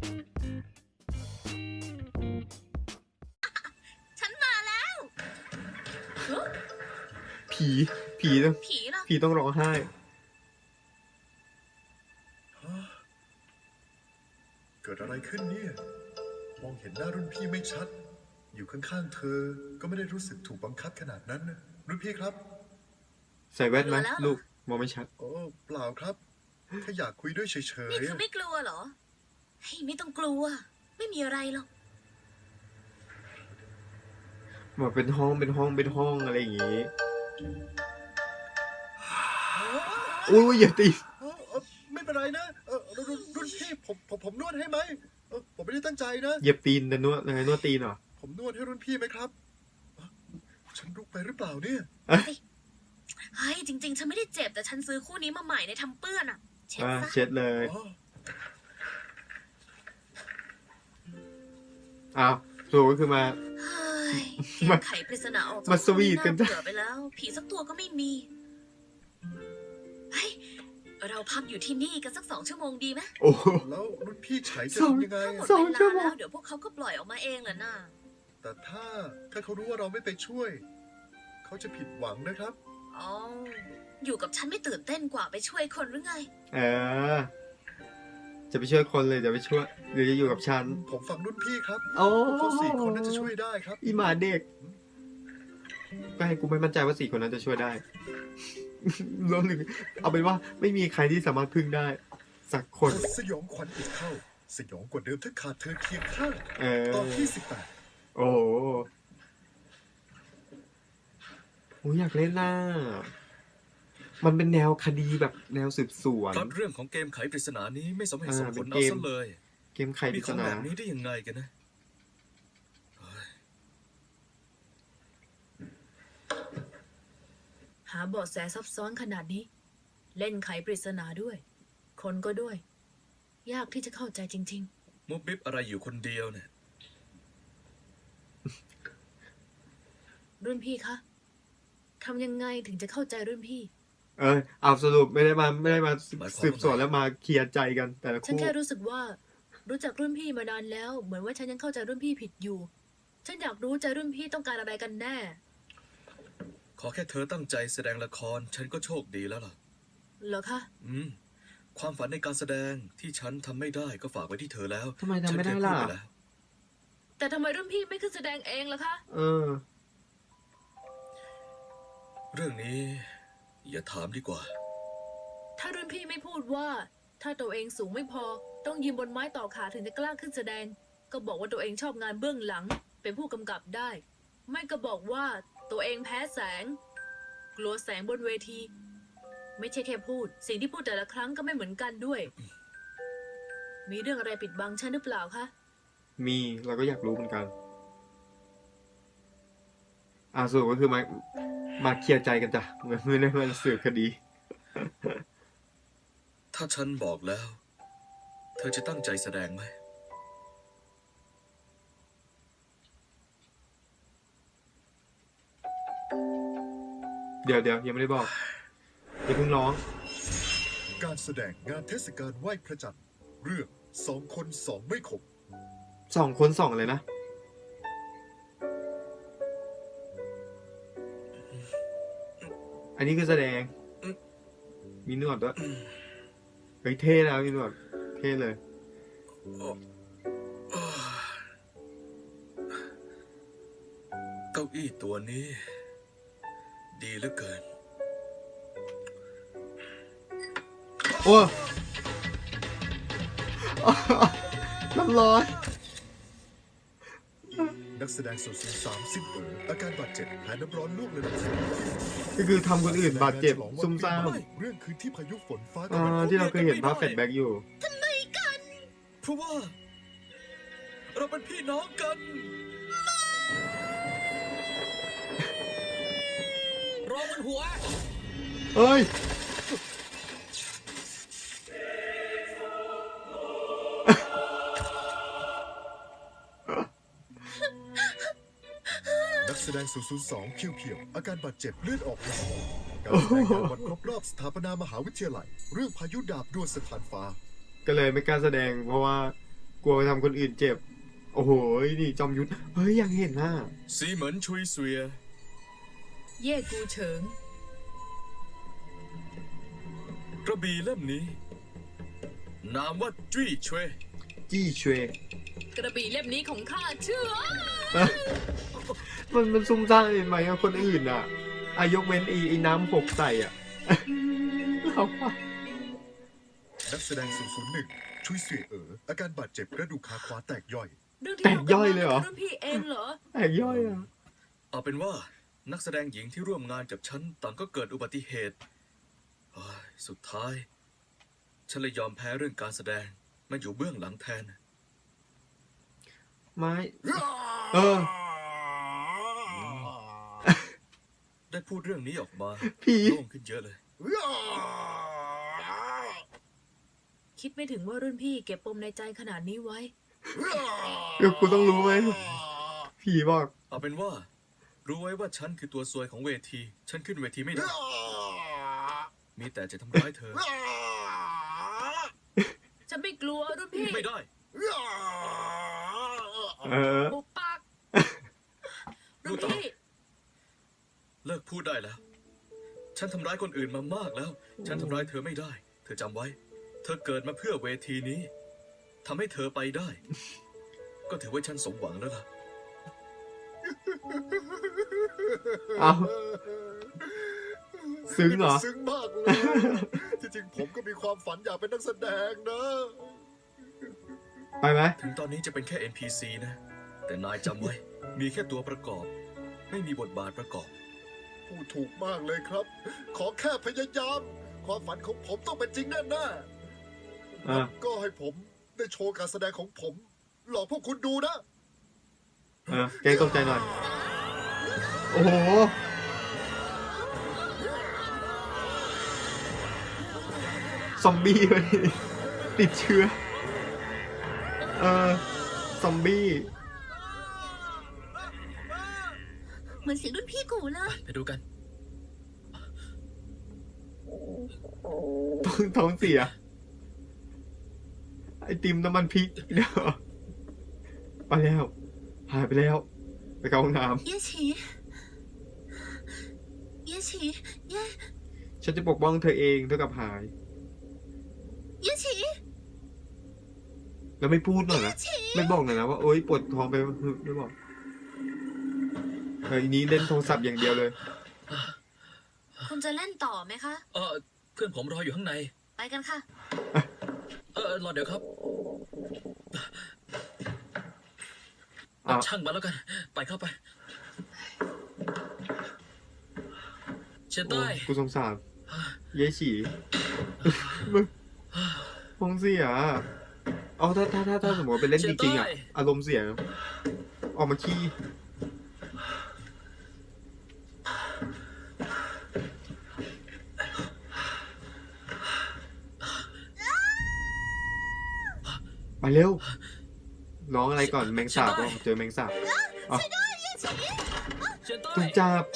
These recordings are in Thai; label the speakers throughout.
Speaker 1: ฉันมาแล้วเฮ้ย
Speaker 2: ผีต้อง
Speaker 1: ผีเหรอ
Speaker 2: ผีต้องร้องไห้
Speaker 3: เกิดอะไรขึ้นเนี่ย มองเห็นหน้ารุ่นพี่ไม่ชัด อยู่ข้างๆเธอก็ไม่ได้รู้สึกถูกบังคับขนาดนั้นนะรุ่นพี่ครับ
Speaker 2: ใส่แว่นไหมลูกมองไม่ชัด
Speaker 3: โอ้เปล่าครับแค่อยากคุยด้วยเฉย
Speaker 1: นี่เธอไม่กลัวเหรอเฮ้ยไม่ต้องกลัว ไม่มีอะไรหรอก
Speaker 2: เหมือนเป็นห้องอะไรอย่างงี้อุ้ยอย่าตี
Speaker 3: ไม่เป็นไรนะรุ่นพี่ผมนวดให้ไหมผมไม่ได้ตั้งใจนะ
Speaker 2: เหยียบตีนแต่นวดยังไงนวดตีนเหรอ
Speaker 3: ผมนวดให้รุ่นพี่ไหมครับฉันลุกไปหรือเปล่าเนี่ย
Speaker 1: เฮ้ยจริงๆ ฉันไม่ได้เจ็บแต่ฉันซื้อคู่นี้มาใหม่ในทำเปื้อนอ่ะ เช็ดซะ
Speaker 2: เช็ดเลย
Speaker 3: อ๋อ
Speaker 2: อ้าวถูกก็คือมา
Speaker 1: เฮ้ยเกมไขปริศนาออกจาก
Speaker 2: มาสวีทกันจ้ะ
Speaker 1: เบื่อไปแล้ว ผีสักตัวก็ไม่มีเฮ้ยเราพักอยู่ที่นี่กันสัก2 ชั่วโมงดีไหม
Speaker 2: โอ้
Speaker 3: แล้วรุ่นพี่ไฉจะ
Speaker 2: สอง
Speaker 3: ทำยังไง
Speaker 1: หมด
Speaker 3: อะ
Speaker 2: สอง
Speaker 1: เว
Speaker 2: ชั่
Speaker 1: ลาว
Speaker 2: โมง
Speaker 1: แล้วเดี๋ยวพวกเขาก็ปล่อยออกมาเองแหละน่ะ
Speaker 3: แต่ถ้าเขารู้ว่าเราไม่ไปช่วย เขาจะผิดหวังนะครับ
Speaker 1: อ๋ออยู่กับฉันไม่ตื่นเต้นกว่าไปช่วยคนหรือไง
Speaker 2: เออจะไปช่วยคนเลยจะไปช่วยหรือจะอยู่กับฉัน
Speaker 3: ผมฟังรุ่นพี่ครับ
Speaker 2: โอ้
Speaker 3: พวก4 คนน่าจะช่วยได้ครับ
Speaker 2: อีหมาเด็กก็ให้กูไม่มั่นใจว่า4 คนนั้นจะช่วยได้ รวมถึงเอาเป็นว่าไม่มีใครที่สามารถพึ่งได้ สักคน
Speaker 3: สยองขวัญอีกเข้า สยองกว่าเดิมถ้าขาดเธอเคียงข้าง
Speaker 2: เออ
Speaker 3: ตอนที่
Speaker 2: โอ้โหโอ้ยอยากเล่นน่ะมันเป็นแนวคดีแบบแนวสืบสวน
Speaker 4: พล็อตเรื่องของเกมไขปริศนานี้ไม่สมเหตุสมผล
Speaker 2: เป็น
Speaker 4: เอา
Speaker 2: เกม
Speaker 4: ซะเลย
Speaker 2: เกมไขป
Speaker 4: มี
Speaker 2: ริ
Speaker 4: ข
Speaker 2: ศ
Speaker 4: อง
Speaker 2: นา
Speaker 4: แบบนี้ได้ยังไงกันนะเฮ้ย
Speaker 5: หาเบาะแสซับซ้อนขนาดนี้ เล่นไขปริศนาด้วย คนก็ด้วย ยากที่จะเข้าใจจริง
Speaker 4: มุบมิบอะไรอยู่คนเดียวเนี่ย
Speaker 5: ๆ รุ่นพี่คะทำยังไงถึงจะเข้าใจรุ่นพี่
Speaker 2: เอาสรุปไม่ได้มา
Speaker 4: หมายความว่า
Speaker 2: สืบสวนแล้วมาเคลียร์ใจกันแต่ละ
Speaker 5: ฉัน
Speaker 2: คู่
Speaker 5: แค่รู้สึกว่า รู้จักรุ่นพี่มานานแล้ว เหมือนว่าฉันยังเข้าใจรุ่นพี่ผิดอยู่ ฉันอยากรู้ใจรุ่นพี่ต้องการอะไรกันแน่
Speaker 4: ขอแค่เธอตั้งใจแสดงละคร ฉันก็โชคดีแล้วล่ะ
Speaker 5: เหรอคะ
Speaker 4: ความฝันในการแสดงที่ฉันทำไม่ได้ก็ฝากไว้ที่เธอแล้ว
Speaker 2: ทำไมทำไม่ได้
Speaker 4: ฉันเคย
Speaker 2: ล่ะ
Speaker 4: พูปแล้ว
Speaker 5: แต่ทำไมรุ่นพี่ไม่ขึ้นแสดงเองล่ะคะ
Speaker 2: เออ
Speaker 4: เรื่องนี้ อย่าถามดีกว่า
Speaker 5: ถ้ารุ่นพี่ไม่พูดว่า ถ้าตัวเองสูงไม่พอ ต้องยืนบนไม้ต่อขาถึงจะกล้าขึ้นแสดง ก็บอกว่าตัวเองชอบงานเบื้องหลัง เป็นผู้กำกับได้ ไม่ก็บอกว่าตัวเองแพ้แสง กลัวแสงบนเวที ไม่ใช่แค่พูด สิ่งที่พูดแต่ละครั้งก็ไม่เหมือนกันด้วย มีเรื่องอะไรปิดบังฉันหรือเปล่าคะ
Speaker 2: มีเราก็อยากรู้เหมือนกันสรุปก็คือมาเคลียร์ใจกันจ้ะไม่ได้มาสืบคดี
Speaker 4: ถ้าฉันบอกแล้ว เธอจะตั้งใจแสดงไหม
Speaker 2: เดี๋ยวยังไม่ได้บอกอย่าเพิ่งร้อง
Speaker 3: การแสดงงานเทศกาลไหว้พระจันทร์เรื่อง2 คน2ไม่ขบ
Speaker 2: 2 คน2เลยนะ อันนี้คือแสดง มีหนวดด้วยเฮ้ยเท่แล้วมีหนวดเท่เลย
Speaker 4: เก้าอี้ตัวนี้ ดีเหลือเกิน
Speaker 2: โอ้ น้ำร้อน
Speaker 3: นักแสดงส่วนสูง30เอ๋ออาการบาดเจ็บแผลน้ำร้อนลวกระดับสูง
Speaker 2: ก็คือทำคนอื่นบาดเจ็บซุ่มซ่าม
Speaker 3: เรื่องคืนที่พายุฝนฟ้า
Speaker 2: ที่เราเคยเห็นภาพแฟลชแบ็กอยู่
Speaker 4: เพราะว่า เราเป็นพี่น้องกัน รอมันหัว
Speaker 2: เฮ้ย
Speaker 3: นักแสดง002คิวเพียวอาการบาดเจ็บเลือดออกในสมองการแสดงงานวันครบรอบสถาปนามหาวิทยาลัย เรื่องพายุดาบดวลสถานฟ้า
Speaker 2: ก็เลยไม่กล้าแสดงเพราะว่ากลัวไปทำคนอื่นเจ็บ โอ้โหนี่จอมยุทธเฮ้ยอยากเห็นหน้า
Speaker 4: สีเหมือนชุยเสวีย
Speaker 5: เย่กูเฉิง
Speaker 4: กระบี่เล่มนี้ นามว่าจุ้ยเชวย
Speaker 2: จี้เชว
Speaker 5: กระบี่เล่มนี้ของข้าเชื่อ
Speaker 2: มันซุ่มซ่ามเห็นไหมอะคนอื่นอ่ะอายกเว้นไอ้น้ำหกใส่อ่ะ เราว่า
Speaker 3: นักแสดง001ชุยเสวยอาการบาดเจ็บกระดูกขาขวาแตกย่อย
Speaker 5: เรื่องที่
Speaker 2: แตกย่อยเลยเหรอ
Speaker 5: รุ่นพี่เองเหรอ
Speaker 2: แตกย่อยอ่ะ
Speaker 4: เอาเป็นว่านักแสดงหญิงที่ร่วมงานกับฉันต่างก็เกิดอุบัติเหตุเฮ้ยสุดท้าย ฉันเลยยอมแพ้เรื่องการแสดงมาอยู่เบื้องหลังแทน
Speaker 2: ไม้ เออ
Speaker 4: ได้พูดเรื่องนี้ออกมา
Speaker 2: ผี
Speaker 4: โล่งขึ้นเยอะเลย
Speaker 5: คิดไม่ถึงว่ารุ่นพี่เก็บปมในใจขนาดนี้ไว้
Speaker 2: เดี๋ยวกูต้องรู้ไหมผีบอก
Speaker 4: เอาเป็นว่า รู้ไว้ว่าฉันคือตัวซวยของเวที ฉันขึ้นเวทีไม่ได้ มีแต่จะทำร้ายเธอ
Speaker 5: ฉันไม่กลัวรุ่นพี่
Speaker 4: ไม่ได้
Speaker 2: เออ
Speaker 5: ปุบปากรุ่นพี่
Speaker 4: เลิกพูดได้แล้ว ฉันทำร้ายคนอื่นมามากแล้ว ฉันทำร้ายเธอไม่ได้ เธอจำไว้ เธอเกิดมาเพื่อเวทีนี้ ทำให้เธอไปได้ ก็ถือว่าฉันสมหวังแล้วล่ะ
Speaker 2: เอา ซึ้งเหรอ
Speaker 3: ซึ้งมากเลย ที่จริงผมก็มีความฝันอยากเป็นนักแสดงนะ
Speaker 2: ไปไหม
Speaker 4: ถึงตอนนี้จะเป็นแค่ NPC นะ แต่นายจำไว้ มีแค่ตัวประกอบ ไม่มีบทบาทประกอบ
Speaker 3: พูดถูกมากเลยครับ ขอแค่พยายาม ความฝันของผมต้องเป็นจริงแน่ๆ
Speaker 2: อ่ะ
Speaker 3: ก็ให้ผมได้โชว์การแสดงของผม หลอกพวกคุณดูนะ
Speaker 2: แกตกใจหน่อย โอ้โห ซอมบี้เลยติดเชื้อ ซอมบี้
Speaker 1: เหมือนเสียงรุ่นพี่กูเลย
Speaker 4: ไปดูกัน
Speaker 2: ท้องเสีย ไอติมน้ำมันพริกเดี๋ยวไปแล้ว หายไปแล้ว ไปเข้าห้องน้
Speaker 1: เย่ฉีเย่ฉีเย่
Speaker 2: ำฉันจะปกป้องเธอเองเท่ากับหาย
Speaker 1: เย่ฉี
Speaker 2: แล้วไม่พูดหน่อยนะ ไม่บอกหน่อยนะว่าโอ๊ยปวดท้องไปไม่บอกอันนี้เล่นโทรศัพท์อย่างเดียวเลย
Speaker 1: คุณจะเล่นต่อไหมคะ
Speaker 4: เพื่อนผมรออยู่ข้างใน
Speaker 1: ไปกันค่ะ
Speaker 4: รอเดี๋ยวครับ
Speaker 2: อ้าว
Speaker 4: ช่างมาแล้วกัน ไปเข้าไป เชน
Speaker 2: โอ้
Speaker 4: ใต้
Speaker 2: กูสงสารเย้ฉีมึงท้องเสียเอาถ้าสมมติว่าไปเล่นจริงๆอ่ะ อารมณ์เสีย ออกมาขี้ไปเร็ว ร้องอะไรก่อนแมงสาบเจอแมงสาบอ๋อ
Speaker 4: เชนใต้
Speaker 2: ถูกจับ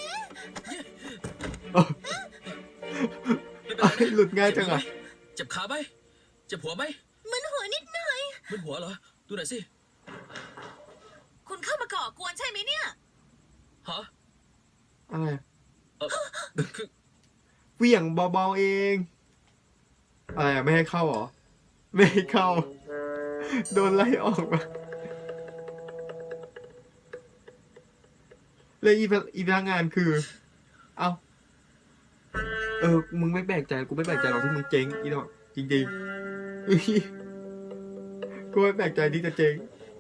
Speaker 4: ไม่เป็นไร
Speaker 2: เอ้ยหลุดง่ายจังอ่ะ
Speaker 4: เจ็บขาไหมเจ็บหัวไหม
Speaker 1: มึนหัวนิดหน่อย
Speaker 4: มึนหัวเหรอ ดูหน่อยสิ
Speaker 1: คุณเข้ามาก่อกวนใช่ไหมเนี่ย
Speaker 4: ฮะ
Speaker 2: อะไร
Speaker 4: คือ
Speaker 2: เหวี่ยงเบาๆเอง อะไรอ่ะไม่ให้เข้าเหรอ ไม่ให้เข้า โดนไล่ออกมาแล้วอีพนักงานคือ เอ้า มึงไม่แปลกใจ กูไม่แปลกใจหรอกที่มึงเจ๊งอีดอกจริงๆอุ๊ยกูไม่แปลกใจที่จะเจ๊ง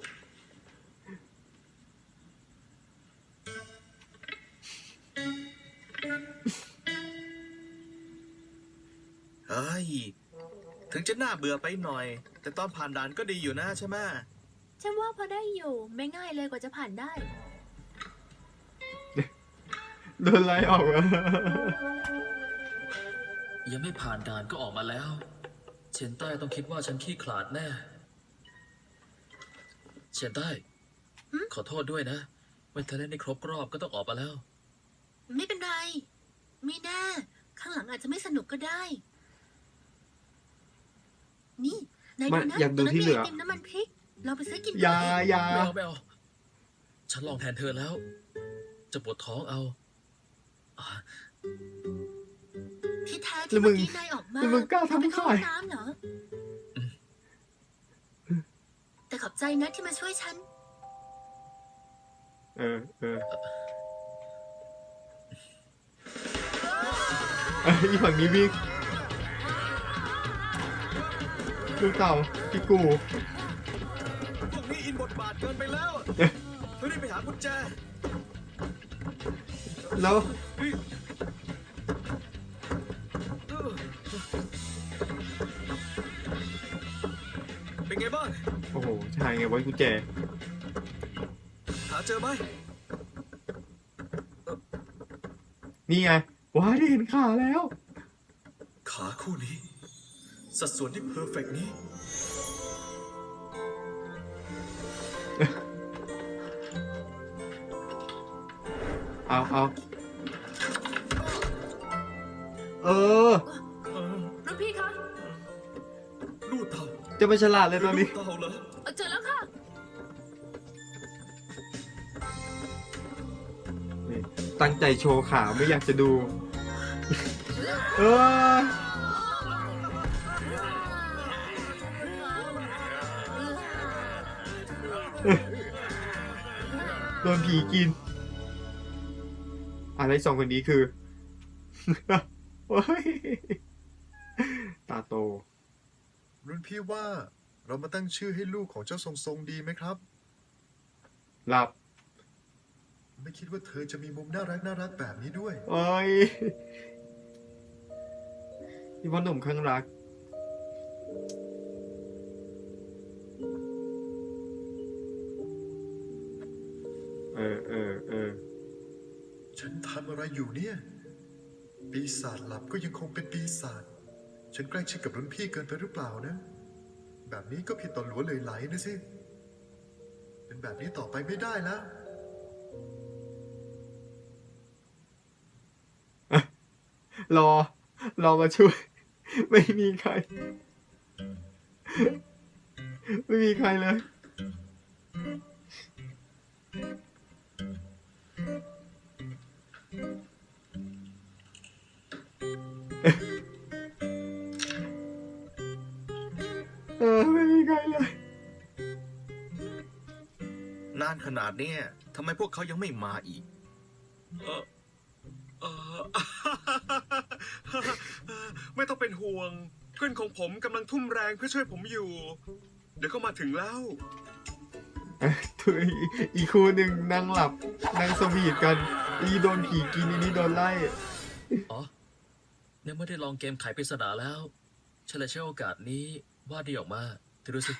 Speaker 4: เฮ้ย ถึงจะน่าเบื่อไปหน่อย แต่ตอนผ่านด่านก็ดีอยู่นะใช่ไหม
Speaker 5: ฉันว่าพอได้อยู่ ไม่ง่ายเลยกว่าจะผ่านได้
Speaker 2: โดนไล่ออกมา
Speaker 6: ยังไม่ผ่านด่านก็ออกมาแล้ว เชนใต้ต้องคิดว่าฉันขี้ขลาดแน่ เชนใต้ ขอโทษด้วยนะ ไม่ทันเล่นได้ครบรอบก็ต้องออกมาแล้ว
Speaker 1: ไม่เป็นไร ไม่แน่ ข้างหลังอาจจะไม่สนุกก็ได้ นี่นาย
Speaker 2: ไม่
Speaker 1: ดูนะ
Speaker 2: อยากดูที่เหลือ
Speaker 1: ตรงนั้นมีไอติมน้ำมันพริกเราไปซื้อกิน
Speaker 2: อย่า
Speaker 1: กัน
Speaker 2: อย่า
Speaker 6: ไม่เอาฉันลองแทนเธอแล้ว จะปวดท้องเอาอ่ะ
Speaker 1: ที่แท้
Speaker 2: แล้
Speaker 1: ที่
Speaker 2: วมึ
Speaker 1: เมื่อง กี้นายออกมา
Speaker 2: แล้วมึงกล้าทำ
Speaker 1: ไปเข้า
Speaker 2: ขาย
Speaker 1: ห้องน้ำเหรอแต่ขอบใจนะที่มาช่วยฉัน
Speaker 2: เอออีฝั่งนี้วิ่งลูกเต่าพี่กู
Speaker 4: พวกนี้อินบทบาทเกินไปแล้วเธอรีบไปหากุญแจ
Speaker 2: แล้ว
Speaker 4: เป็นไงบ้าง
Speaker 2: โอ้โหชายไงไว้กุญแจ
Speaker 4: หาเจอไหม
Speaker 2: นี่ไงว้าได้เห็นขาแล้ว
Speaker 4: ขาคู่นี้ สัดส่วนที่เพอร์เฟกนี้
Speaker 2: เอา เออ
Speaker 5: รุ่นพี่คะ
Speaker 4: ลูดเต่า
Speaker 2: จะไม่ฉลาดเลยตอนนี้
Speaker 4: ลูดเต่าเหรอ
Speaker 5: เจอแล้วค่ะ
Speaker 2: นี่ตั้งใจโชว์ขาไม่อยากจะดู เออโดนผีกิน อะไรสองคนนี้คือ โอ้ยตาโต
Speaker 3: รุ่นพี่ว่าเรามาตั้งชื่อให้ลูกของเจ้าทรงๆดีไหมครับ
Speaker 2: หลับ
Speaker 3: ไม่คิดว่าเธอจะมีมุมน่ารักแบบนี้ด้วย
Speaker 2: โอ้ยพี่พ่อหนุ่มข้างรัก เออ
Speaker 3: ฉันทำอะไรอยู่เนี่ย ปีศาจหลับก็ยังคงเป็นปีศาจ ฉันใกล้ชิดกับรุ่นพี่เกินไปหรือเปล่านะ แบบนี้ก็ผิดต่อหลัวเลยไหลนะสิ เป็นแบบนี้ต่อไปไม่ได้แล้ว
Speaker 2: รอมาช่วย ไม่มีใคร ไม่มีใครเลย ไม่มีใครเลย
Speaker 4: นานขนาดเนี้ยทำไมพวกเขายังไม่มาอีก
Speaker 7: ไม่ต้องเป็นห่วง เพื่อนของผมกำลังทุ่มแรงเพื่อช่วยผมอยู่ เดี๋ยวก็มาถึงแล้ว
Speaker 2: อีกคู่หนึ่งนั่งหลับ นั่งสวีทกัน อีโดนผีกินอีนี่โดนไล่
Speaker 6: อ๋อเนี่ยไม่ได้ลองเกมไขปริศนาแล้วฉันเลยใช้โอกาสนี้วาดดีออกมาเธอดูสิ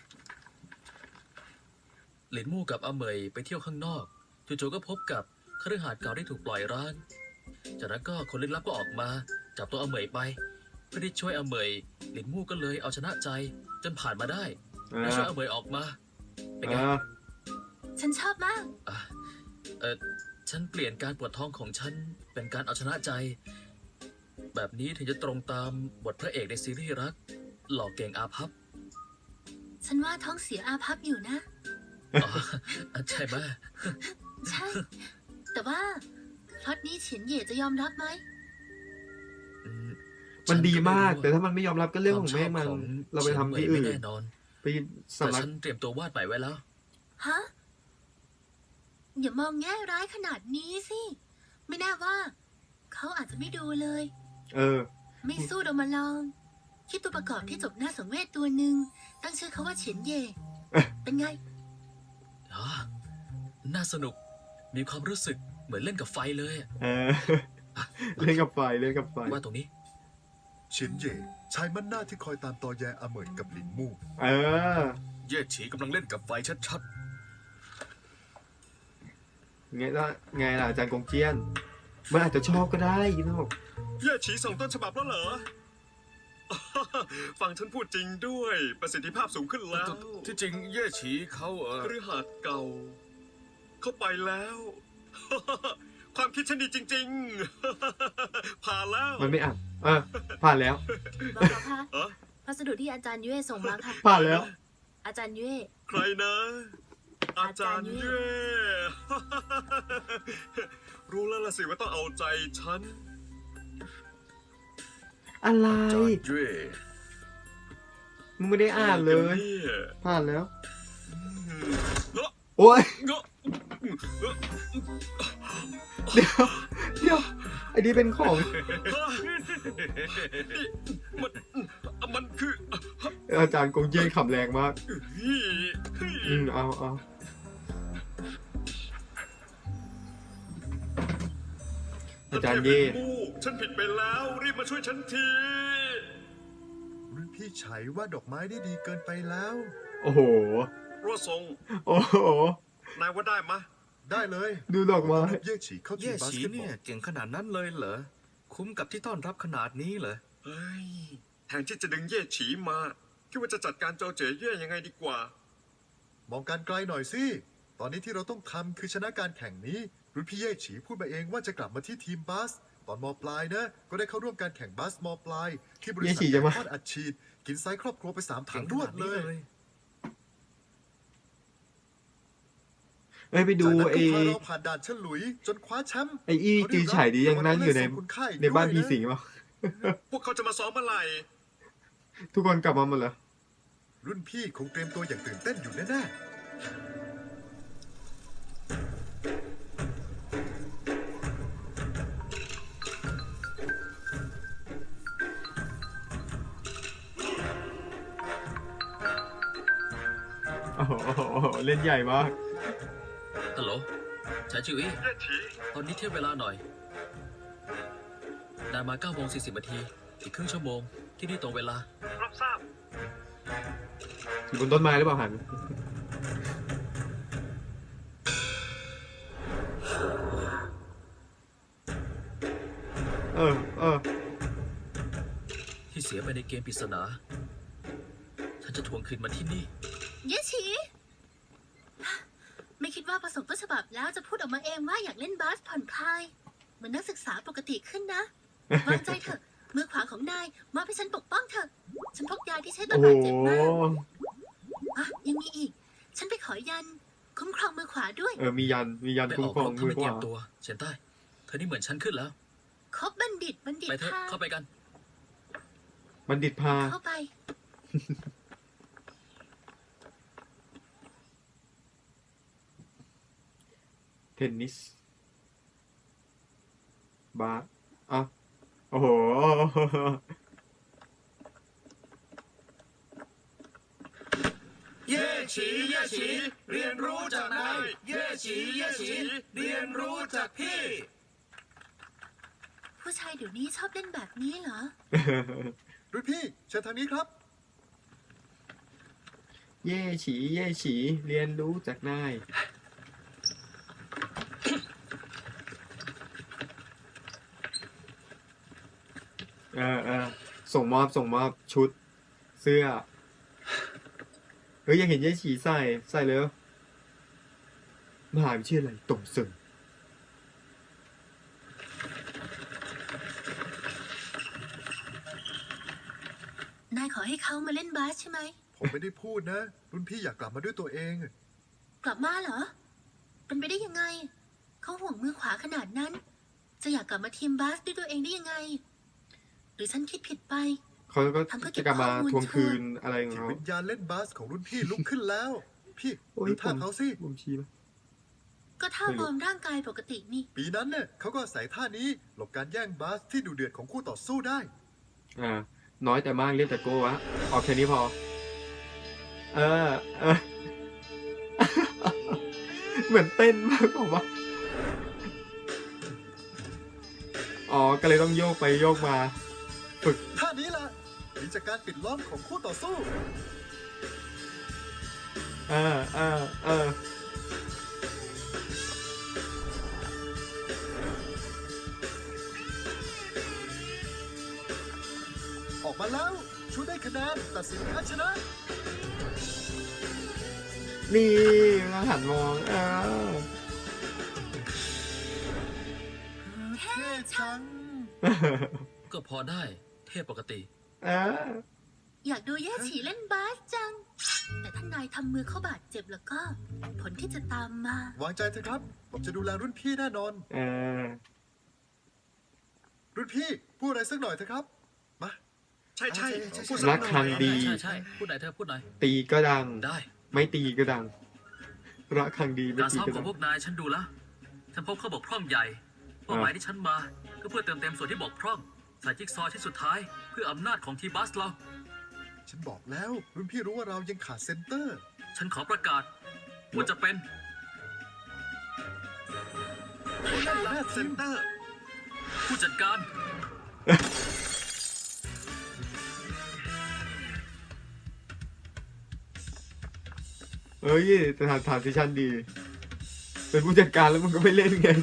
Speaker 6: หลินมู่กับอาเหมยไปเที่ยวข้างนอกจู่ๆก็พบกับคฤหาสน์เก่าที่ถูกปล่อยร้าง จากนั้นก็คนลึกลับก็ออกมาจับตัวอาเหมยไป เพื่อที่ช่วยอาเหมยหลินมู่ก็เลยเอาชนะใจจนผ่านมาได้และช่วยอาเหมยออกมา เป็นไง
Speaker 1: ฉันชอบมาก
Speaker 6: ฉันเปลี่ยนการปวดท้องของฉันเป็นการเอาชนะใจ แบบนี้ถึงจะตรงตามบทพระเอกในซีรีส์รัก หล่อเก่งอาภัพ
Speaker 1: ฉันว่าท้องเสียอาภัพอยู่นะ
Speaker 6: อ๋อใช่ไหม
Speaker 1: ใช่ แต่ว่าพล็อตนี้เฉียนเหย่จะยอมรับไหม
Speaker 6: อืม
Speaker 2: มันดีมาก
Speaker 6: ฉั
Speaker 2: แต่
Speaker 6: น
Speaker 2: ถ้ามันไม่ยอมรับก็เรื่องของแม่งมัน เราไปทำที่อื่น
Speaker 6: ไม่แน่นอน
Speaker 2: ไป
Speaker 6: แต่
Speaker 2: สำนัก
Speaker 6: ฉันเตรียมตัววาดใหม่ไว้แล้ว
Speaker 1: ฮะ อย่ามองแง่ร้ายขนาดนี้สิ ไม่แน่ว่า เขาอาจจะไม่ดูเลย
Speaker 2: เออ
Speaker 1: ไม่สู้เรามาลอง คิดตัวประกอบที่จบหน้าสังเวชตัวหนึ่ง ตั้งชื่อเขาว่าเฉียนเหย่ เป็นไง
Speaker 6: อ๋อ น่าสนุก มีความรู้สึกเหมือนเล่นกับไฟเลยอะ
Speaker 2: เออ เล่นกับไฟ
Speaker 6: ว่าตรงนี้
Speaker 3: เฉียนเย่ชายมั่นหน้าที่คอยตามตอแยอาเหมยกับหลินมู่
Speaker 2: เออ
Speaker 4: เย่ฉีกำลังเล่นกับไฟชัด
Speaker 2: ไงล่ะอาจารย์กงเจียน มันอาจจะชอบก็ได้นะบอก
Speaker 7: เย่ฉีส่งต้นฉบับแล้วเหรอ ฟังฉันพูดจริงด้วย ประสิทธิภาพสูงขึ้นแล้ว
Speaker 4: ๆ ที่จริงเย่ฉีเขา
Speaker 7: คฤหาสน์เก่า เข้าไปแล้ว ความคิดฉันดีจริง ๆ ผ่านแล้ว
Speaker 2: มันไม่อ่านผ่านแล้ว
Speaker 5: บอกแล้วค่ะ
Speaker 7: เออ
Speaker 5: พัสดุที่อาจารย์ยุ้ยส่งมาค่ะ
Speaker 2: ผ่านแล้ว
Speaker 5: อาจารย์เย่
Speaker 7: ใครนะ อาจารย์เย่ รู้แล้วล่ะสิว่าต้องเอาใจฉัน
Speaker 2: อะไร
Speaker 4: จอห์นเย่
Speaker 2: มึงไม่ได้อ่านเลย
Speaker 7: นี่ย
Speaker 2: ผ่านแล้ว
Speaker 7: เนอะ
Speaker 2: โอ้ย
Speaker 7: เนอะ
Speaker 2: เดี๋ยว เดี๋ยวไอ้นี่เป็นของ
Speaker 7: มันคือ
Speaker 2: อาจารย์กงเย่ขำแรงมาก
Speaker 7: นี่
Speaker 2: เอา อาจารย์เย่
Speaker 7: ฉันผิดไปแล้ว รีบมาช่วยฉันที
Speaker 3: รุ่นพี่ไฉว่าดอกไม้ได้ดีเกินไปแล้ว
Speaker 2: โอ้โห
Speaker 7: รัวทรง
Speaker 2: โอ้โห
Speaker 7: นายว่าได้มะ
Speaker 3: ได้เลย
Speaker 2: ดูดอกไม้
Speaker 3: รับเย่ฉีเข้าที
Speaker 4: เย่
Speaker 3: มบาส
Speaker 4: ฉี
Speaker 3: เกตบอ
Speaker 4: เนี่ย
Speaker 3: ล
Speaker 4: เก่งขนาดนั้นเลยเหรอ คุ้มกับที่ต้อนรับขนาดนี้เหรอ
Speaker 7: เฮ้ย แทนที่จะดึงเย่ฉีมา คิดว่าจะจัดการโจเจ๋เย่ยังไงดีกว่า
Speaker 3: มองการไกลหน่อยสิ ตอนนี้ที่เราต้องทำคือชนะการแข่งนี้ รุ่นพี่เย่ฉีพูดมาเองว่าจะกลับมาที่ทีมบาส ตอนมปลายนะ ก็ได้เข้าร่วมการแข่งบาสมปลาย ที่บริษัท
Speaker 2: เย่ฉีจะมา
Speaker 3: ทอดอัดฉีด กินไซส์ครอบครัวไป3 ถั
Speaker 4: เก่
Speaker 3: ง
Speaker 4: งข
Speaker 3: รว
Speaker 4: นา
Speaker 3: ด
Speaker 4: ด
Speaker 3: เล
Speaker 4: นี้
Speaker 3: ย
Speaker 4: เลย
Speaker 2: เอ้ยไปดู
Speaker 3: จากนั้น
Speaker 2: ไอ้
Speaker 3: ก็พาเราผ่านด่านฉลุย จนคว้าแชมป์
Speaker 2: ไอ้อี้จือฉายดียังนั่งอยู่ใน ในบ้านผีสิงเปล่า
Speaker 7: พวกเขาจะมาซ้อมเมื่อไหร่
Speaker 2: ทุกคนกลับมาหมดแล้ว
Speaker 3: รุ่นพี่คงเตรียมตัวอย่างตื่นเต้นอยู่แน่ๆ
Speaker 2: โอ้โหเล่นใหญ่มาก
Speaker 6: ฮัลโหลชายจิวอี้
Speaker 7: เย่ฉี
Speaker 6: ตอนนี้เทียบเวลาหน่อย นายมา9 โมง 40 นาที อีกครึ่งชั่วโมง ที่นี่ตรงเวลา
Speaker 7: รับทราบ
Speaker 2: อยู่บนต้นไม้หรือเปล่าหัน เออ
Speaker 6: ที่เสียไปในเกมปริศนา ฉันจะทวงคืนมันที่นี่
Speaker 1: เยฉีไม่คิดว่าประสบต้นฉบับแล้วจะพูดออกมาเองว่าอยากเล่นบาสผ่อนคลายเหมือนนักศึกษาปกติขึ้นนะ วางใจเถอะ มือขวาของนายมอบให้ฉันปกป้องเถอะ ฉันพกยาที่ใช้ตอ
Speaker 2: โอ้
Speaker 1: น
Speaker 2: โห
Speaker 1: บาดเจ็บมากอ่ะยังมีอีก ฉันไปขอยัน คุ้มครองมือขวาด้วย
Speaker 2: มียัน
Speaker 6: ไป
Speaker 2: คุ้
Speaker 6: อ
Speaker 2: ม
Speaker 6: อก
Speaker 2: คร
Speaker 6: ร
Speaker 2: อง
Speaker 6: บถ้า
Speaker 2: มือ
Speaker 6: ไม่
Speaker 2: ข
Speaker 6: เตรี
Speaker 2: วาย
Speaker 6: มตัว เฉียนใต้ เธอนี่เหมือนฉันขึ้นแล้ว
Speaker 1: คบบัณฑิต
Speaker 6: ไปเถอะ
Speaker 1: พา
Speaker 6: เข้าไปกัน
Speaker 2: บัณฑิตพา
Speaker 1: เข้าไป
Speaker 2: เทนนิส บาสอ่ะโอ้โห
Speaker 4: เย่ฉีเย่ฉีเรียนรู้จากนายเย่ฉีเย่ฉีเรียนรู้จากพี่
Speaker 1: ผู้ชายเดี๋ยวนี้ชอบเล่นแบบนี้เหรอ
Speaker 3: รุ่นพี่เชิญทางนี้ครับ
Speaker 2: เย่ฉีเรียนรู้จากนาย ส่งมอบชุด เสื้อ เฮ้ยยังเห็นเย่ฉีใส่เลยมหาวิทยาลัยตงเซิง
Speaker 1: นายขอให้เขามาเล่นบาสใช่ไหม
Speaker 3: ผมไม่ได้พูดนะ รุ่นพี่อยากกลับมาด้วยตัวเอง
Speaker 1: กลับมาเหรอ เป็นไปได้ยังไง เขาห่วงมือขวาขนาดนั้น จะอยากกลับมาทีมบาสด้วยตัวเองได้ยังไง หรือฉันคิดผิดไป
Speaker 2: เขาก็
Speaker 1: ทำเพื่อเก็
Speaker 2: จะ
Speaker 1: บ
Speaker 2: กลับมา
Speaker 1: ข้อมูล
Speaker 2: ทวงคืนอะไรของ
Speaker 3: จิต
Speaker 2: เขา
Speaker 3: วิญญาณเล่นบาสของรุ่นพี่ลุกขึ้นแล้ว พี่
Speaker 2: โอ้ย
Speaker 3: ดูท่าเขาสิ
Speaker 2: ผมชี้ไหม
Speaker 1: ก็ท่าวอร์มร่างกายปกตินี่
Speaker 3: ปีนั้นเนี่ยเขาก็อาศัยท่านี้หลบการแย่งบาสที่ดุเดือดของคู่ต่อสู้ได้
Speaker 2: น้อยแต่มากเรียกแต่โก้วะเอาแค่นี้พอ เหมือนเต้นมากกว่าอ๋อ ก็เลยต้องโยกไปโยกมา ฝึก
Speaker 3: ท่านี้ล่ะมีจากการปิดล้อมของคู่ต่อสู้ ออกมาแล้วชูได้คะแนนตัดสินแพ้ชนะ
Speaker 2: นี่เราหันมอง
Speaker 3: เท่จัง
Speaker 6: ก็พอได้ เทพปกติ
Speaker 1: อยากดูแย่ฉีเล่นบาสจังแต่ถ้านายทำมือเขาบาดเจ็บแล้วก็ ผลที่จะตามมา
Speaker 3: วางใจเถอะครับ ผมจะดูแลรุ่นพี่แน่นอน
Speaker 2: เออ
Speaker 3: รุ่นพี่พูดอะไรสักหน่อยเถอะครับ มา
Speaker 7: ใช่ใช่
Speaker 3: ใช่
Speaker 7: พูด
Speaker 3: ใช่
Speaker 7: สักหน่อย
Speaker 2: รักครั้งดี
Speaker 6: ใช่ใช่พูดหน่อยเธอพูดหน่อย
Speaker 2: ตีก็ดัง
Speaker 6: ได้
Speaker 2: ไม่ตีก็ดังรักครั้งดีไม่
Speaker 6: การ
Speaker 2: ตี
Speaker 6: ซ้อม
Speaker 2: ก็
Speaker 6: ขอ
Speaker 2: ดั
Speaker 6: ง
Speaker 2: ง
Speaker 6: พวกนายฉันดูแล้ว ฉันพบข้อบกพร่องใหญ่เป้าหมายที่ฉันมาก็เพื่อเติมเต็มส่วนที่บกพร่องใส่จิ๊กซอว์ชิ้นสุดท้าย เพื่ออำนาจของทีบัสเรา
Speaker 3: ฉันบอกแล้ว รุ่นพี่รู้ว่าเรายังขาดเซนเตอร์
Speaker 6: ฉันขอประกาศว่าจะเป็น
Speaker 3: แม่
Speaker 7: เซนเตอร์
Speaker 6: ผู้จัดการ
Speaker 2: เอ้ยแต่ฐานซิชันดี เป็นผู้จัดการแล้วมึงก็ไม่เล่นไง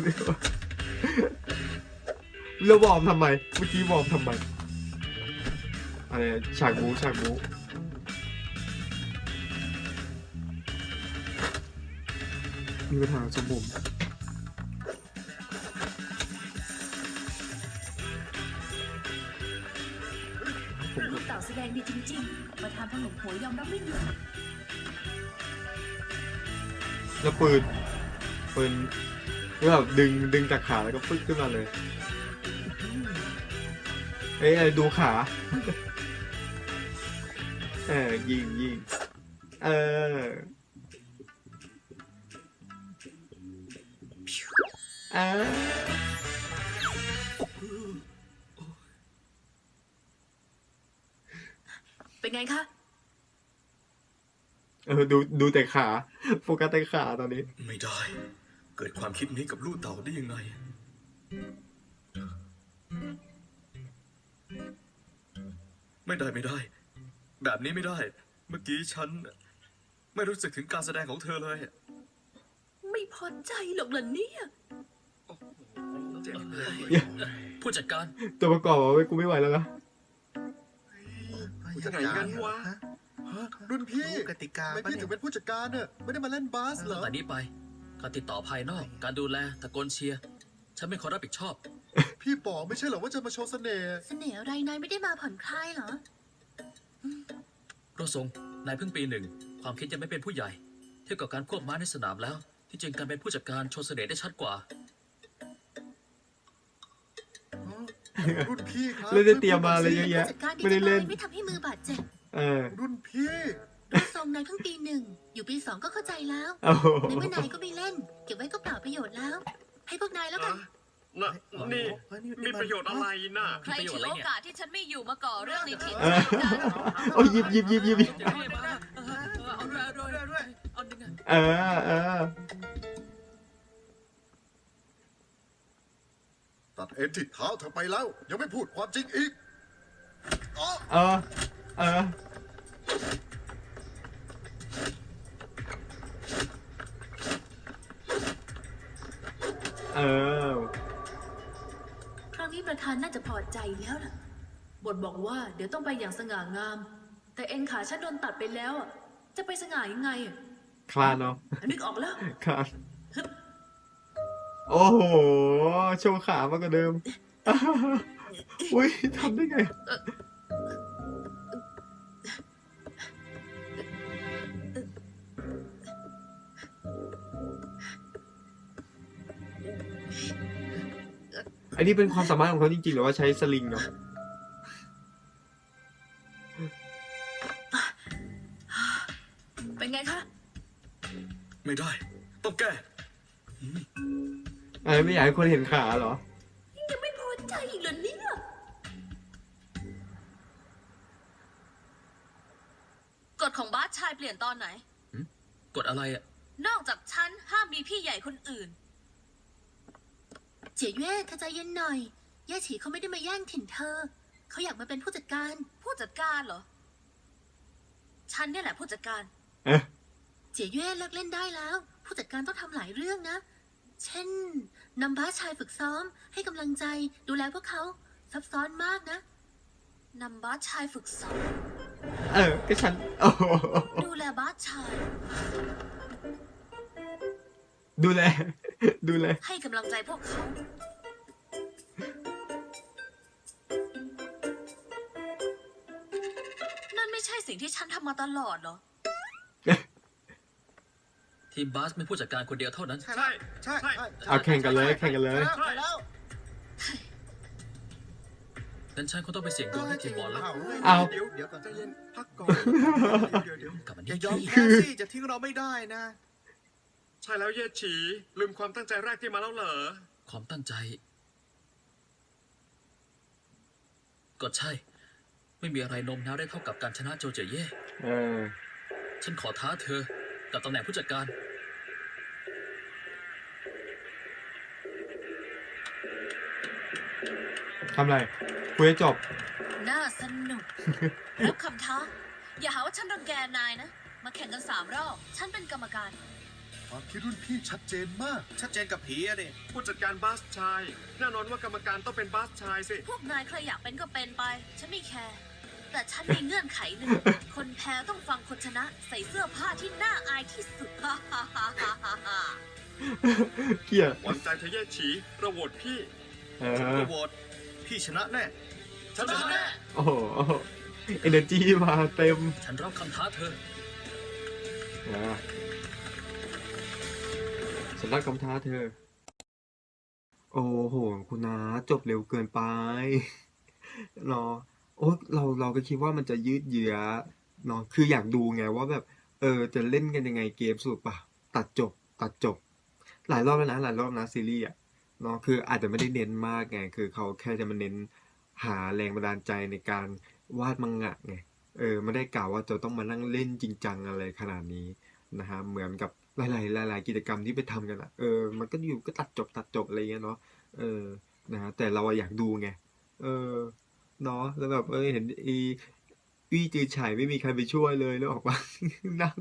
Speaker 2: แล้ววอร์มทำไม เมื่อกี้วอร์มทำไมอะไรฉากบูมีปัญหาสมบุม
Speaker 5: ลูกเต่าแสดงดีจริงๆ มาทำพหนุ่มหัวยอมรับไม่หยุด
Speaker 2: แล้วปืนก็แบบดึงจากขาแล้วก็ปึ๊กขึ้นมาเลย เอ้ยดูขา ยิงเอออ่า
Speaker 5: เป็นไงคะ
Speaker 2: ดูแต่ขา โฟกัสแต่ขาตอนนี้
Speaker 4: ไม่ได้ เกิดความคิดนี้กับลูกเต่าได้ยังไง ไม่ได้ แบบนี้ไม่ได้ เมื่อกี้ฉัน ไม่รู้สึกถึงการแสดงของเธอเลย
Speaker 5: ไม่พอใจหรอกเหรอเนี่ย
Speaker 7: เจ็บเลย
Speaker 6: ผู้จัดการ
Speaker 2: ตัวประกอบว่ากูไม่ไหวแล้วนะ
Speaker 7: ผู้จัดการวะ
Speaker 3: ฮะรุ่นพี่
Speaker 8: รู้กติกา
Speaker 3: ทำไม
Speaker 8: ปะ
Speaker 3: พี่
Speaker 8: เนี่
Speaker 3: ถึ
Speaker 8: ย
Speaker 3: งเป็นผู้จัดการเนี่ยไม่ได้มาเล่นบาสเหร
Speaker 6: ตั้
Speaker 3: อ
Speaker 6: งแต่นี้ไป การติดต่อภายนอก การดูแลตะโกนเชียร์ ฉันไม่ขอรับผิดชอบ
Speaker 3: พี่บอกไม่ใช่เหรอว่าจะมาโชว์เสน่ห์
Speaker 1: เสน่ห์อะไรนายไม่ได้มาผ่อนคลายเหรอ
Speaker 6: โรซงนายเพิ่งปีหนึ่ง ความคิดยังไม่เป็นผู้ใหญ่ เทียบกับการควบม้าในสนามแล้ว ที่จริงการเป็นผู้จัดการโชว์เสน่ห์ได้ชัดกว่า
Speaker 3: รุ่นพี่ครับ
Speaker 2: แล้วได้เตรียมมาอะไรเยอะ
Speaker 1: ผู้
Speaker 2: แยะ
Speaker 1: จัดการดี
Speaker 2: ไม่ได้
Speaker 1: จังเล
Speaker 2: เล่
Speaker 1: ย
Speaker 2: น
Speaker 1: ไม่ทำให้มือบาดเจ็บ
Speaker 3: รุ่นพี่
Speaker 1: ดูทรงนายเพิ่งปี 1 อยู่ปี 2 ก็เข้าใจแล้ว
Speaker 2: โอ้โห
Speaker 1: ในเมื่อนายก็ไม่เล่น เก็บไว้ก็เปล่าประโยชน์แล้ว ให้พวกนายแล้วกัน
Speaker 7: น่ะนี่
Speaker 8: เฮ้ย
Speaker 7: มีประโยชน์อะไรน่ะ
Speaker 5: ใครถือโอกาสที่ฉันไม่อยู่มาก่อเรื่องในถิ่น
Speaker 2: เออโอ้ยหยิบ
Speaker 6: เอาด้วยเอาดึงอ่ะ
Speaker 3: ตัดเอ็นที่เท้าเธอไปแล้ว ยังไม่พูดความจริงอีกอ๋อ
Speaker 2: เออ
Speaker 5: ครั้งนี้ประธานน่าจะพอใจแล้วล่ะ บทบอกว่าเดี๋ยวต้องไปอย่างสง่างาม แต่เอ็นขาฉันโดนตัดไปแล้วอะจะไปสง่ายังไงอะ
Speaker 2: คลานเนาะ
Speaker 5: นึกออกแล้ว
Speaker 2: คลานโอ้โห โชว์ขามากกว่าเดิม อุ้ยทำได้ไง อันนี้เป็นความสามารถของเขาจริงๆหรือว่าใช้สลิงเนาะ
Speaker 5: เป็นไงคะ
Speaker 4: ไม่ได้ ต้องแก้
Speaker 2: อะไรไม่อยากให้คนเห็นขาเหรอ
Speaker 5: ยังไม่พอใจอีกเหรอเนี่ย
Speaker 9: กฎของบาสชายเปลี่ยนตอนไหน
Speaker 6: กดอะไรอ่ะ
Speaker 9: นอกจากฉันห้ามมีพี่ใหญ่คนอื่น
Speaker 1: เจี๋ยเย่เธอใจเย็นหน่อย เย่ฉีเขาไม่ได้มาแย่งถิ่นเธอ เขาอยากมาเป็นผู้จัดการ
Speaker 9: ผู้จัดการเหรอ ฉันเนี่ยแหละผู้จัดการ
Speaker 1: เจี๋ยเย่เลิกเล่นได้แล้ว ผู้จัดการต้องทำหลายเรื่องนะ เช่นนำบาสชายฝึกซ้อม ให้กำลังใจดูแลพวกเขาซับซ้อนมากนะ
Speaker 9: นำบาสชายฝึกซ้อม
Speaker 2: ก็ฉัน โอ้โห
Speaker 9: ดูแลบาสชาย
Speaker 2: ดูแล
Speaker 9: ให้กำลังใจพวกเขา นั่นไม่ใช่สิ่งที่ฉันทำมาตลอดเหรอ
Speaker 6: ทีมบาสมีผู้จัดการคนเดียวเท่านั้น
Speaker 7: ใช่ใช่
Speaker 2: เอาแข่งกันเลยแข่งกันเลย
Speaker 6: งั้นฉันคงต้องไปเสี่ยงดวงที่ทีมบอลแล้ว
Speaker 2: เอา
Speaker 7: เดี๋ยวก่อนใจเย็นพักก่อนเดี๋ยว
Speaker 6: กลับมา
Speaker 7: อย่า
Speaker 6: นี่
Speaker 7: ยอม
Speaker 6: ที่
Speaker 7: แพ้สิจะทิ้งเราไม่ได้นะใช่แล้วเย่ฉีลืมความตั้งใจแรกที่มาแล้วเหรอ
Speaker 6: ความตั้งใจ ก็ใช่ ไม่มีอะไรโน้มน้าวได้เท่ากับการชนะโจเจเย่
Speaker 2: เออ
Speaker 6: ฉันขอท้าเธอ กับตำแหน่งผู้จัดการ
Speaker 2: ทำไรคุยให้จบ
Speaker 9: น่าสนุก รับคำท้า อย่าหาว่าฉันรังแกนายนะ มาแข่งกัน3 รอบ ฉันเป็นกรรมการ
Speaker 3: ความคิดรุ่นพี่ชัดเจนมาก
Speaker 7: ชัดเจนกับผีอะดิผู้จัดการบาสชาย แน่นอนว่ากรรมการต้องเป็นบาสชายสิ
Speaker 9: พวกนายใครอยากเป็นก็เป็นไป ฉันไม่แคร์ แต่ฉันมีเงื่อนไขหนึ่ง คนแพ้ต้องฟังคนชนะ ใส่เสื้อผ้าที่น่าอายที่สุด ฮ่าฮ่าฮ่าฮ่าฮ่า
Speaker 2: เกลียด
Speaker 7: หวังใจเธอเย่ฉีเราโหวตพี่
Speaker 2: เอ
Speaker 7: ผม
Speaker 2: อ
Speaker 7: ก็โหวตพี่ชนะแน่
Speaker 9: ชนะแน่
Speaker 2: โอ้โหเอเนอร์จีมาเต็ม
Speaker 6: ฉันรับคำท้าเธอ
Speaker 2: อ่าฉันรักคำท้าเธอ โอ้โห คุณนาจบเร็วเกินไป เนาะโอ้เราก็คิดว่ามันจะยืดเยื้อเนาะคืออยากดูไงว่าแบบ จะเล่นกันยังไงเกมสรุปป่ะ ตัดจบ หลายรอบแล้วนะ หลายรอบนะซีรีส์อ่ะเนาะคืออาจจะไม่ได้เน้นมากไง คือเขาแค่จะมาเน้นหาแรงบันดาลใจในการวาดมังงะไง ไม่ได้กล่าวว่าจะต้องมานั่งเล่นจริงจังอะไรขนาดนี้นะฮะเหมือนกับหลายกิจกรรมที่ไปทำกันอ่ะมันก็อยู่ก็ตัดจบอะไรเงี้ยเนาะนะฮะแต่เราอะอยากดูไงเนาะแล้วแบบเห็นอี้จือฉายไม่มีใครไปช่วยเลยแล้วออกมา นั่ง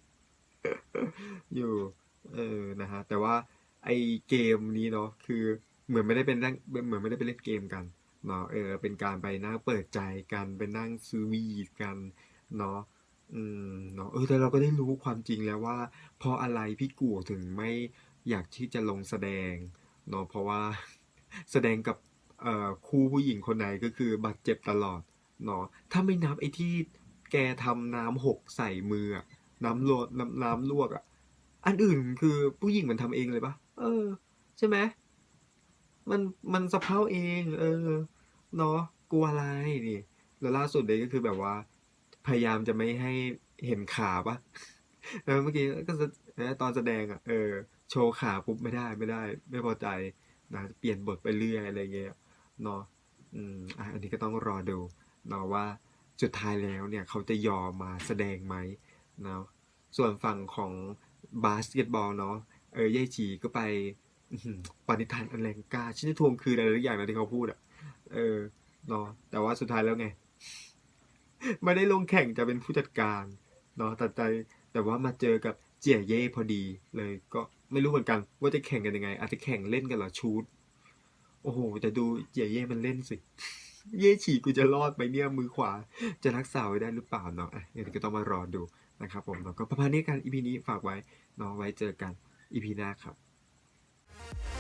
Speaker 2: อยู่นะฮะแต่ว่าไอเกมนี้เนาะคือเหมือนไม่ได้เป็นเล่นเกมกันเนาะเป็นการไปนั่งเปิดใจกันไปนั่งซื้อวีดกันเนาะเนาะแต่เราก็ได้รู้ความจริงแล้วว่าเพราะอะไรพี่กู่ถึงไม่อยากที่จะลงแสดงเนาะเพราะว่า แสดงกับคู่ผู้หญิงคนไหนก็คือบาดเจ็บตลอดเนาะถ้าไม่นับไอ้ที่แกทำน้ำหกใส่มืออะน้ำลวกอ่ะ อันอื่นคือผู้หญิงมันทำเองเลยปะใช่ไหมมันสะเพร่าเองเนาะกลัวอะไรนี่แล้วล่าสุดเลยก็คือแบบว่า พยายามจะไม่ให้เห็นขาปะ แล้วเมื่อกี้ก็ตอนแสดงอ่ะโชว์ขาปุ๊บไม่ได้ไม่พอใจนะเปลี่ยนบทไปเรื่อยอะไรเงี้ยเนาะอันนี้ก็ต้องรอดูเนาะว่าสุดท้ายแล้วเนี่ยเขาจะยอมมาแสดงไหมเนาะส่วนฝั่งของบาสเกตบอลเนาะเย่จีก็ไปปณิธานอันแรงกล้าฉันจะทวงคืนอะไรทุกอย่างนะที่เขาพูดอ่ะเนาะแต่ว่าสุดท้ายแล้วไง ไม่ได้ลงแข่งจะเป็นผู้จัดการเนาะแต่ว่ามาเจอกับเจี๋ยเย่พอดีเลยก็ไม่รู้เหมือนกันว่าจะแข่งกันยังไง อาจจะแข่งเล่นกันเหรอชูตโอ้โหแต่ดูเจี๋ยเย่มันเล่นสิ เย่ฉีกูจะรอดไหมเนี่ยมือขวาจะรักษาไว้ได้หรือเปล่าเนาะเดี๋ยวก็ต้องมารอดูนะครับผมเนาะก็ประมาณนี้กัน EP นี้ฝากไว้เนาะไว้เจอกัน EP หน้าครับ